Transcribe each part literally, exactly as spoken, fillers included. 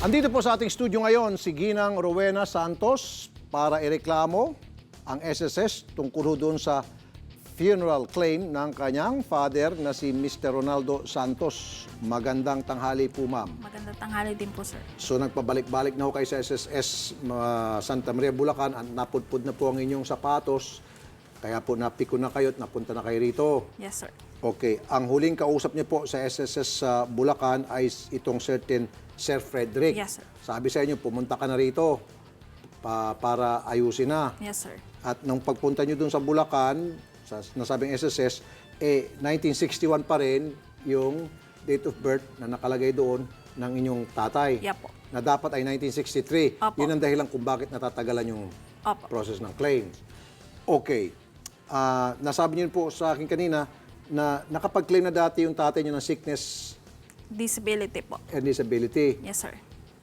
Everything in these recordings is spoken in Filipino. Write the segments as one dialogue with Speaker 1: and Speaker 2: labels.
Speaker 1: Andito po sa ating studio ngayon si Ginang Rowena Santos para ireklamo ang S S S tungkol doon sa funeral claim ng kanyang father na si Mister Ronaldo Santos. Magandang tanghali po, ma'am.
Speaker 2: Magandang tanghali din po, sir.
Speaker 1: So nagpabalik-balik na ho kayo sa S S S uh, Santa Maria, Bulacan. Napudpud na po ang inyong sapatos. Kaya po napiko na kayo at napunta na kayo rito.
Speaker 2: Yes, sir.
Speaker 1: Okay. Ang huling kausap niyo po sa S S S sa uh, Bulacan ay itong certain Sir Frederick.
Speaker 2: Yes, sir.
Speaker 1: Sabi sa inyo, pumunta ka na rito pa, para ayusin na.
Speaker 2: Yes, sir.
Speaker 1: At nung pagpunta nyo dun sa Bulacan, sa nasabing S S S, eh, nineteen sixty-one pa rin yung date of birth na nakalagay doon ng inyong tatay.
Speaker 2: Yeah po.
Speaker 1: Na dapat ay nineteen sixty-three.
Speaker 2: Opo.
Speaker 1: Yun ang dahilan kung bakit natatagalan yung
Speaker 2: Opo.
Speaker 1: process ng claim. Okay. Ah, nasabi niyo po sa akin kanina na nakapag-claim na dati yung tatay niyo ng sickness
Speaker 2: Disability po.
Speaker 1: and disability.
Speaker 2: Yes, sir.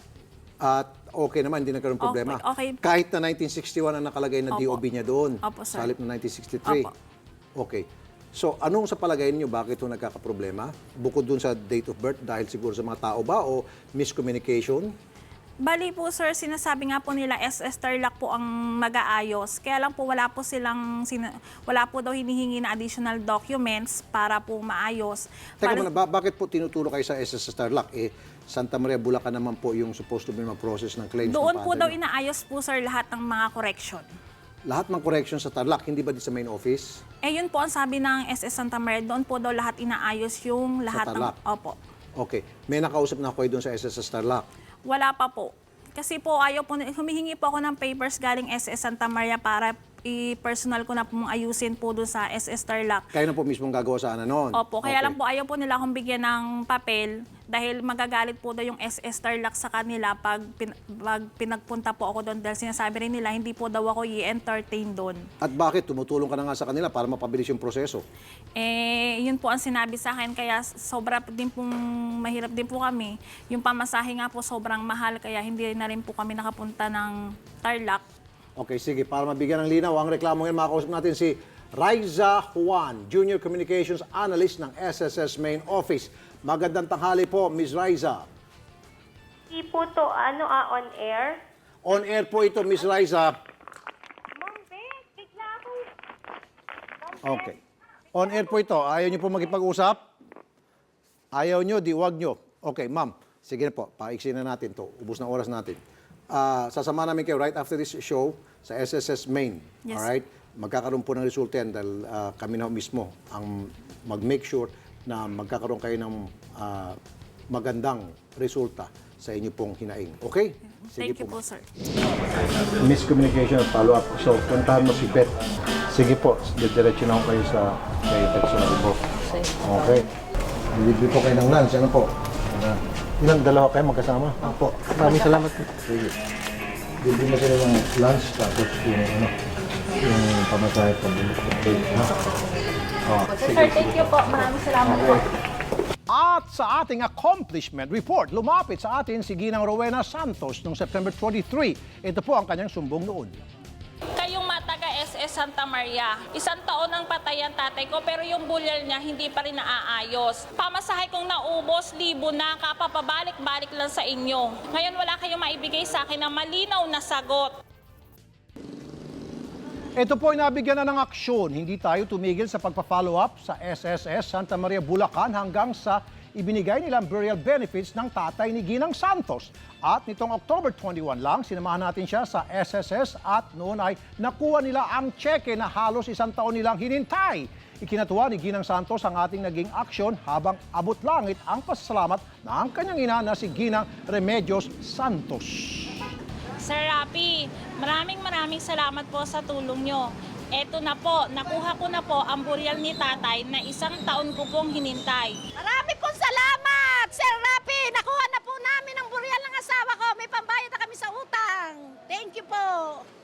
Speaker 1: At okay naman, hindi nagkaroon ng problema.
Speaker 2: Okay, okay.
Speaker 1: Kahit na nineteen sixty-one ang nakalagay na
Speaker 2: Opo.
Speaker 1: D O B niya doon.
Speaker 2: Opo, sir.
Speaker 1: Sa halip na nineteen sixty-three.
Speaker 2: Opo.
Speaker 1: Okay. So, anong sa palagay niyo bakit ito nagkakaproblema? Bukod dun sa date of birth, dahil siguro sa mga tao ba o miscommunication?
Speaker 2: Bali po, sir, sinasabi nga po nila S S Tarlac po ang mag-aayos. Kaya lang po wala po silang, sina- wala po daw hinihingi na additional documents para po maayos.
Speaker 1: Teka
Speaker 2: Bali-
Speaker 1: muna, ba- bakit po tinuturo kayo sa S S Tarlac? Eh, Santa Maria, Bulacan naman po yung supposed to be ma-process ng claims.
Speaker 2: Doon
Speaker 1: ng
Speaker 2: po
Speaker 1: father
Speaker 2: daw
Speaker 1: niyo.
Speaker 2: inaayos po, sir, lahat ng mga correction.
Speaker 1: Lahat ng correction sa Tarlac, hindi ba di sa main office?
Speaker 2: Eh, yun po ang sabi ng S S Santa Maria, doon po daw lahat inaayos yung lahat ng...
Speaker 1: Tarlac?
Speaker 2: Opo.
Speaker 1: Okay. May nakausap na ako kayo doon sa S S Tarlac.
Speaker 2: Wala pa po. Kasi po ayaw po, humihingi po ako ng papers galing S S Santa Maria para i-personal ko na po ayusin po doon sa S S Tarlac.
Speaker 1: Kayo na po mismong gagawa sa ano noon?
Speaker 2: Opo, kaya
Speaker 1: Okay.
Speaker 2: lang po ayaw po nila akong bigyan ng papel dahil magagalit po daw yung S S Tarlac sa kanila pag, pin, pag pinagpunta po ako doon dahil sinasabi rin nila hindi po daw ako i-entertain doon.
Speaker 1: At bakit? Tumutulong ka na nga sa kanila para mapabilis yung proseso.
Speaker 2: Eh, yun po ang sinabi sa akin kaya sobra din pong mahirap din po kami. Yung pamasahe nga po sobrang mahal kaya hindi na rin po kami nakapunta ng Tarlac.
Speaker 1: Okay, sige. Para mabigyan ng linaw, ang reklamo ngayon, makausap natin si Raiza Juan, Junior Communications Analyst ng S S S Main Office. Magandang tanghali po, Miz Raiza.
Speaker 3: Hindi po to, ano, ah, on air.
Speaker 1: On air po ito, Miz Raiza.
Speaker 3: Ma'am Beth, bigla ako.
Speaker 1: Okay. On air po ito. Ayaw niyo po magipag-usap? Ayaw niyo, di wag niyo. Okay, ma'am. Sige na po, paiksin na natin to. Ubus na oras natin. Ah, sasama namin kayo right after this show sa S S S Main.
Speaker 2: Yes.
Speaker 1: Alright? Magkakaroon po ng resulta yan dahil ah, kami na mismo ang mag-make sure na magkakaroon kayo ng ah, magandang resulta sa inyo pong hinaing. Okay?
Speaker 2: Thank you po, sir.
Speaker 1: Miscommunication at follow-up. So, puntahan mo si Beth. Sige po, diretso na ako kayo sa kay personal po. Okay. Libre po kayo ng lunch. Ano po? Ilang dalawa kayo magkasama? Opo.
Speaker 4: Maraming salamat po.
Speaker 1: Sige. Libre mo sila ng lunch tapos yung ano, yung pamasahe pabulok. Okay. Ha? Oh,
Speaker 2: Sir, thank you po. Maraming salamat po.
Speaker 1: At sa ating accomplishment report, lumapit sa atin si Ginang Rowena Santos noong September twenty-three. Ito po ang kanyang sumbong noon.
Speaker 2: Kayong mga taga S S Santa Maria, isang taon ang patay ang tatay ko pero yung bulyal niya hindi pa rin naaayos. Pamasahe kong naubos, libo na, kapapabalik-balik lang sa inyo. Ngayon wala kayong maibigay sa akin na malinaw na sagot.
Speaker 1: Ito po ay nabigyan na ng aksyon. Hindi tayo tumigil sa pagpa-follow up sa S S S Santa Maria, Bulacan hanggang sa ibinigay nilang burial benefits ng tatay ni Ginang Santos. At nitong October twenty-one lang, sinamahan natin siya sa S S S at noon ay nakuha nila ang cheque na halos isang taon nilang hinintay. Ikinatuwa ni Ginang Santos ang ating naging aksyon habang abot langit ang pasasalamat ng kanyang ina na si Ginang Remedios Santos.
Speaker 2: Sir Rapi, maraming maraming salamat po sa tulong nyo. Eto na po, nakuha ko na po ang burial ni tatay na isang taon ko pong hinintay.
Speaker 5: Marami pong salamat, Sir Rapi. Nakuha na po namin ang burial ng asawa ko. May pambayad na kami sa utang. Thank you po.